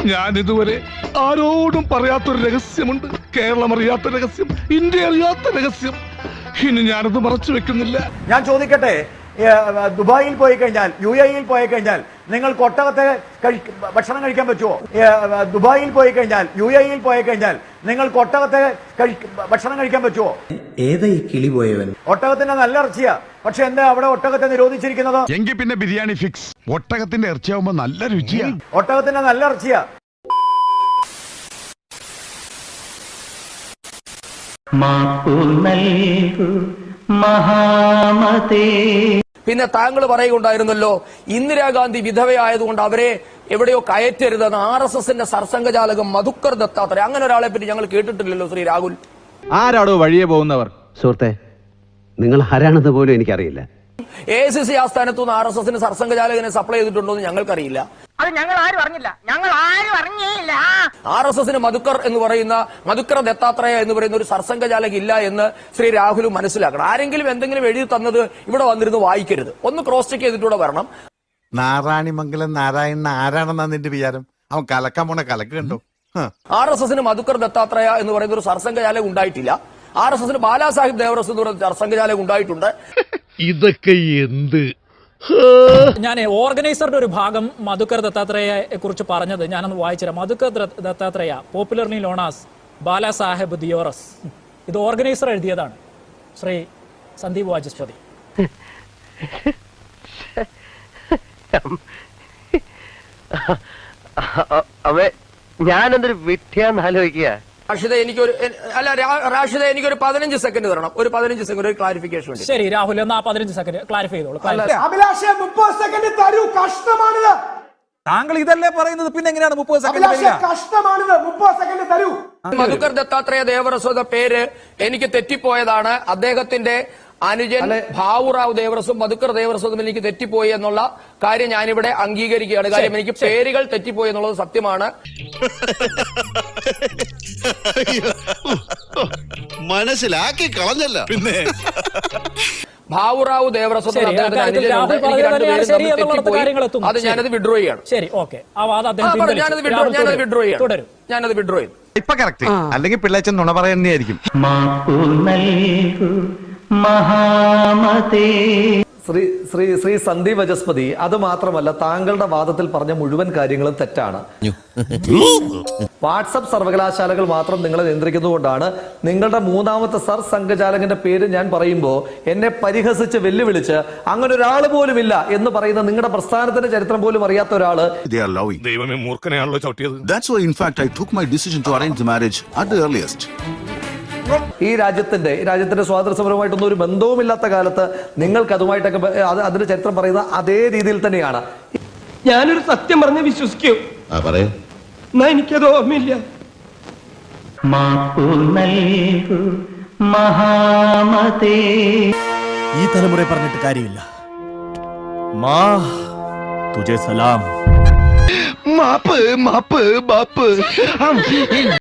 ഞാൻ ഇതുവരെ ആരോടും പറയാത്തൊരു രഹസ്യമുണ്ട്. കേരളം അറിയാത്ത രഹസ്യം, ഇന്ത്യ അറിയാത്ത രഹസ്യം. ഇനി ഞാനത് മറച്ചു വെക്കുന്നില്ല. ഞാൻ ചോദിക്കട്ടെ, ദുബായിൽ പോയി കഴിഞ്ഞാൽ, UAE പോയി കഴിഞ്ഞാൽ നിങ്ങൾക്ക് ഒട്ടകത്തെ ഭക്ഷണം കഴിക്കാൻ പറ്റുമോ? ദുബായിൽ പോയി കഴിഞ്ഞാൽ, UAE പോയി കഴിഞ്ഞാൽ നിങ്ങൾക്ക് ഒട്ടകത്തെ ഭക്ഷണം കഴിക്കാൻ പറ്റുമോ? ഏതാ ഈ കിളി പോയവൻ? ഒട്ടകത്തിന്റെ നല്ല ഇറച്ചിയാ, പക്ഷെ എന്താ അവിടെ ഒട്ടകത്തെ നിരോധിച്ചിരിക്കുന്നത്? എങ്കിൽ പിന്നെ ബിരിയാണി ഫിക്സ്. ഒട്ടകത്തിന്റെ ഇറച്ചിയാവുമ്പോ നല്ല രുചിയാ. ഒട്ടകത്തിന്റെ നല്ല ഇറച്ചിയാ. പിന്നെ താങ്കൾ പറയുകയുണ്ടായിരുന്നല്ലോ, ഇന്ദിരാഗാന്ധി വിധവയായതുകൊണ്ട് അവരെ എവിടെയോ കയറ്റരുതെന്ന്. RSSന്റെ സർസംഘചാലകം മധുക്കർ ദത്താത്രേയ, അങ്ങനെ ഒരാളെ പറ്റി ഞങ്ങൾ കേട്ടിട്ടില്ലല്ലോ ശ്രീ രാഹുൽ. ആരാടോ വഴിയെ പോകുന്നവർ? സുഹൃത്തെ, നിങ്ങൾ ആരാണെന്ന് പോലും എനിക്കറിയില്ല. AICC ആസ്ഥാനത്തു നിന്ന് RSSന് സർസംഘചാലകനെ സപ്ലൈ ചെയ്തിട്ടുണ്ടോ എന്ന് ഞങ്ങൾക്കറിയില്ല. അത് ഞങ്ങൾ ആരും അറിഞ്ഞില്ല. RSSന് മധുക്കർ എന്ന് പറയുന്ന, മധുക്കർ ദത്താത്രേയ എന്ന് പറയുന്ന ഒരു സർസംഘചാലക ഇല്ല എന്ന് ശ്രീ രാഹുൽ മനസ്സിലാക്കണം. ആരെങ്കിലും എന്തെങ്കിലും എഴുതി തന്നത് ഇവിടെ വന്നിരുന്ന് വായിക്കരുത്. ഒന്ന് ക്രോസ് ചെക്ക് ചെയ്തിട്ടൂടെ വരണം. നാരായണിമംഗലം നാരായണൻ ആരാണെന്നാ നിന്റെ വിചാരം? അവൻ കലക്കാൻ പോണ കലക്ക് കണ്ടോ? RSSന് മധുക്കർ ദത്താത്രേയ എന്ന് പറയുന്ന ഒരു സർസംഘചാലകം ഉണ്ടായിട്ടില്ല. RSSന് ബാലാസാഹിബ് ദേവറസ് എന്ന് പറയുന്ന സർസംഘചാലകം ഉണ്ടായിട്ടുണ്ട്. ഇതൊക്കെ എന്ത്? ഞാൻ ഓർഗനൈസറുടെ ഒരു ഭാഗം മധുക്കർ ദത്താത്രേയയെ കുറിച്ച് പറഞ്ഞത് ഞാനൊന്ന് വായിച്ചുതരാം. Madhukar Dattatreya, popularly known as Balasaheb Deoras, ഇത് ഓർഗനൈസർ എഴുതിയതാണ്, ശ്രീ സന്ദീപ് വാചസ്പതി. ഞാനെന്തൊരു വിദ്യാന്ന് ആലോചിക്കുക. റാഷിദ, എനിക്കൊരു 15 സെക്കൻഡ് തരണം. ഒരു 15 സെക്കൻഡ് ഒരു ക്ലാരിഫിക്കേഷൻ വേണ്ടി. ശരി രാഹുൽ, എന്നാ 15 സെക്കൻഡ് ക്ലാരിഫൈ ചെയ്തോളൂ. അഭിലാഷേ, 30 സെക്കൻഡ് തരൂ. കഷ്ടമാണിത്. താങ്കൾ ഇതല്ലേ പറയുന്നത്, പിന്നെ എങ്ങനെയാണ് 30 സെക്കൻഡ്? കഷ്ടമാണിത്. 30 സെക്കൻഡ് തരൂ. മധുക്കർ ദത്താത്രേയ ദേവറസ് എന്ന പേര് എനിക്ക് തെറ്റിപ്പോയതാണ്. അദ്ദേഹത്തിന്റെ അനുജൻ ഭാവുറാവ് ദേവറസും മധുക്കർ ദേവറസും എനിക്ക് തെറ്റിപ്പോയി എന്നുള്ള കാര്യം ഞാനിവിടെ അംഗീകരിക്കുകയാണ്. കാര്യം എനിക്ക് പേരുകൾ തെറ്റിപ്പോയി എന്നുള്ളത് സത്യമാണ്. മനസ്സിലാക്കി കളഞ്ഞല്ല പിന്നെ. ഭാവുറാവു ദേവറസ് അദ്ദേഹത്തിന്റെ അനുജനുണ്ട്. എനിക്ക് രണ്ടുപേരും തെറ്റിപ്പോയി. അത് ഞാനത് വിഡ്രോ ചെയ്യാണ്. ശരി, ഓക്കെ. ഞാനത് വിഡ്രോ ചെയ്തു. ഇപ്പൊ കറക്റ്റ്, അല്ലെങ്കിൽ പിള്ളേച്ചൻ നുണ പറയുന്നതായിരിക്കും. ശ്രീ സന്ദീപ് വചസ്പതി, അത് മാത്രമല്ല, താങ്കളുടെ വാദത്തിൽ പറഞ്ഞ മുഴുവൻ കാര്യങ്ങളും തെറ്റാണ്. വാട്സപ്പ് സർവകലാശാലകൾ മാത്രം നിങ്ങളെ നിയന്ത്രിക്കുന്നതുകൊണ്ടാണ് നിങ്ങളുടെ മൂന്നാമത്തെ സർ സംഘചാലകന്റെ പേര് ഞാൻ പറയുമ്പോൾ എന്നെ പരിഹസിച്ച് വെല്ലുവിളിച്ച് അങ്ങനെ ഒരാൾ പോലും ഇല്ല എന്ന് പറയുന്ന നിങ്ങളുടെ പ്രസ്ഥാനത്തിന്റെ ചരിത്രം പോലും അറിയാത്ത ഒരാള്. ദൈവമേ, മൂർഖനെയാണല്ലോ ചവിട്ടിയത്. That's why in fact I took my decision to arrange the marriage at the earliest. ഈ രാജ്യത്തിന്റെ സ്വാതന്ത്ര്യ സമരവുമായിട്ടൊന്നും ഒരു ബന്ധവുമില്ലാത്ത കാലത്ത് നിങ്ങൾക്ക് അതുമായിട്ടൊക്കെ അതിന്റെ ചരിത്രം പറയുന്ന അതേ രീതിയിൽ തന്നെയാണ്. ഞാനൊരു സത്യം പറഞ്ഞ് വിശ്വസിക്കൂ. എന്നാ എനിക്കത് ഓർമ്മയില്ല. ഈ തലമുറ പറഞ്ഞിട്ട് കാര്യമില്ല. തുജേ സലാം. മാപ്പ് മാപ്പ് മാപ്പ്.